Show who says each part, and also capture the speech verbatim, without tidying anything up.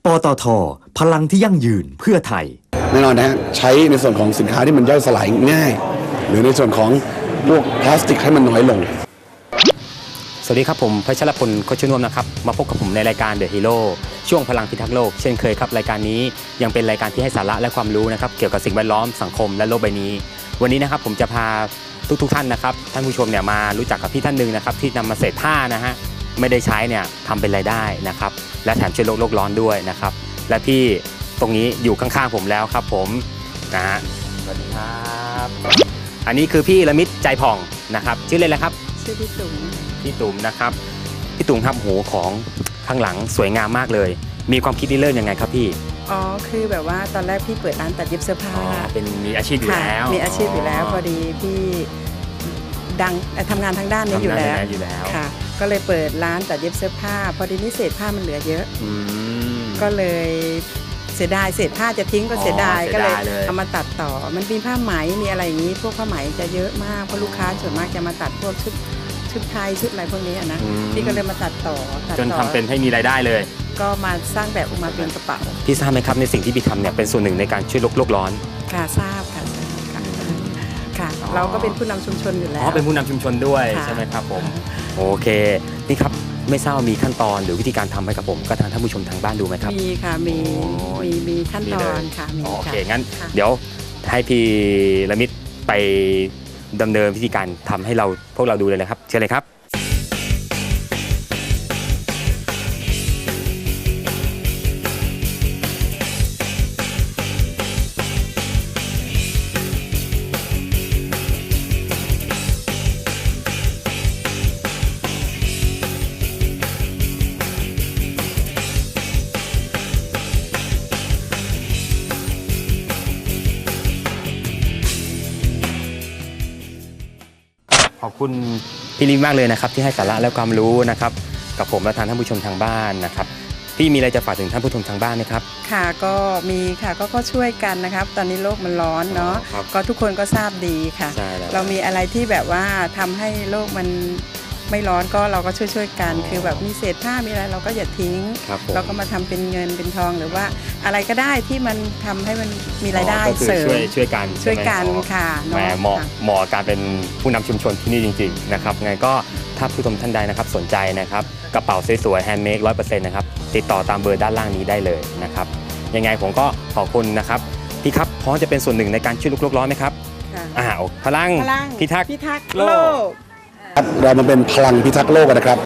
Speaker 1: ปตท.พลังที่ยั่งยืนเพื่อไทย
Speaker 2: แน่นอนนะฮะใช้ในส่วนของสินค้าที่มันย่อยสลายง่าย หรือในส่วนของพวกพลาสติกให้มันน้อยลง
Speaker 3: สวัสดีครับผมพัชรพลโคชนวมนะครับมาพบกับผมในรายการ The Hero ช่วงพลังพิทักษ์โลกเช่นเคยครับรายการนี้ยังเป็นรายการที่ให้สาระและความรู้นะครับเกี่ยวกับสิ่งแวดล้อมสังคมและโลกใบนี้วันนี้นะครับผมจะพาทุกๆท่านนะครับท่านผู้ชมเนี่ยมารู้จักกับพี่ท่านหนึ่งนะครับที่นำมาเศษผ้านะฮะไม่ได้ใช้เนี่ยทำเป็นรายได้นะครับและแถมช่วยโลกโลกร้อนด้วยนะครับและพี่ตรงนี้อยู่ข้างๆผมแล้วครับผมนะฮะสวัสดีครับอันนี้คือพี่ละมิตรใจผ่องนะครับชื่อเล่นอะไรครับ
Speaker 4: ชื่อพี่ตุ๋ม
Speaker 3: พี่ตุ๋มนะครับพี่ตุ๋มครับโหของข้างหลังสวยงามมากเลยมีความคิดริเริ่มยังไงครับพี่
Speaker 4: อ๋อคือแบบว่าตอนแรกพี่เปิดร้านตัดเย็บเสื้อผ้า
Speaker 3: เป็นมีอาชีพอยู่แล้ว
Speaker 4: มีอาชีพอยู่แล้วพอดีพี่ดังทำงานทางด้านนี้อยู่แล้วค่ะก็เลยเปิดร้านตัดเย็บเสื้อผ้าพอดีนี้เศษผ้ามันเหลือเยอะก็เลยเสียดายเศษผ้าจะทิ้งก็เสียดายก็เลยเอามาตัดต่อมันมีผ้าไหมมีอะไรอย่างนี้พวกผ้าไหมจะเยอะมากเพราะลูกค้าส่วนมากจะมาตัดพวกชุดชุดไทยชุดอะไรพวกนี้นะพี่ก็เลยมาตัดต่อ
Speaker 3: จนทำเป็นให้มีรายได้เลย
Speaker 4: ก็มาสร้างแบบออกมาเป็นกระเป๋า
Speaker 3: พี่ทราบไหมครับในสิ่งที่พี่ทำเนี่ยเป็นส่วนหนึ่งในการช่วยโลกโลกร้อน
Speaker 4: ค่ะทราบค่ะทราบค่ะค่ะเราก็เป็นผู้นำชุมชนอยู่แล้ว
Speaker 3: อ๋อเป็นผู้นำชุมชนด้วยใช่ไหมครับผมโอเคนี่ครับไม่ทราบมีขั้นตอนหรือวิธีการทำให้กับผมก็ทางท่านผู้ชมทางบ้านดูไหมครับ
Speaker 4: มีค่ะมีมีมีขั้นตอนค่ะมี
Speaker 3: โอเคงั้นเดี๋ยวให้พี่ละมิตรไปดำเนินวิธีการทำให้เราพวกเราดูเลยนะครับเชิญเลยครับขอบคุณพี่ลิมมากเลยนะครับที่ให้สาระและความรู้นะครับกับผมและทางท่านผู้ชมทางบ้านนะครับพี่มีอะไรจะฝากถึงท่านผู้ชมทางบ้านไหมครับ
Speaker 4: ค่ะก็มีค่ะก็ก็ช่วยกันนะครับตอนนี้โลกมันร้อนเนาะก็ทุกคนก็ทราบดีค่ะเรามีอะไรที่แบบว่าทำให้โลกมันไม่ร้อนก็เราก็ช่วยช่วยกันคือแบบมีเศษผ้ามีอะไรเราก็อย่าทิ้งเราก็มาทำเป็นเงินเป็นทองหรือว่าอะไรก็ได้ที่มันทำให้มันมีรายได้เสริม
Speaker 3: ช่วยช่วยกัน
Speaker 4: ช่วยกันค่ะ
Speaker 3: แหมเหมาะเหมาะการเป็นผู้นำชุมชนที่นี่จริงๆนะครับไงก็ถ้าผู้ชมท่านใดนะครับสนใจนะครับกระเป๋าสวยๆแฮนด์เมดร้อยเปอร์เซ็นต์นะครับติดต่อตามเบอร์ด้านล่างนี้ได้เลยนะครับยังไงผมก็ขอบคุณนะครับพี่ครับพร้อมจะเป็นส่วนหนึ่งในการช่วยโลกร้อนไหมครับอ่าพลังพิทักษ์โลก
Speaker 2: เรามาเป็นพลังพิทักษ์โลกกันนะครับ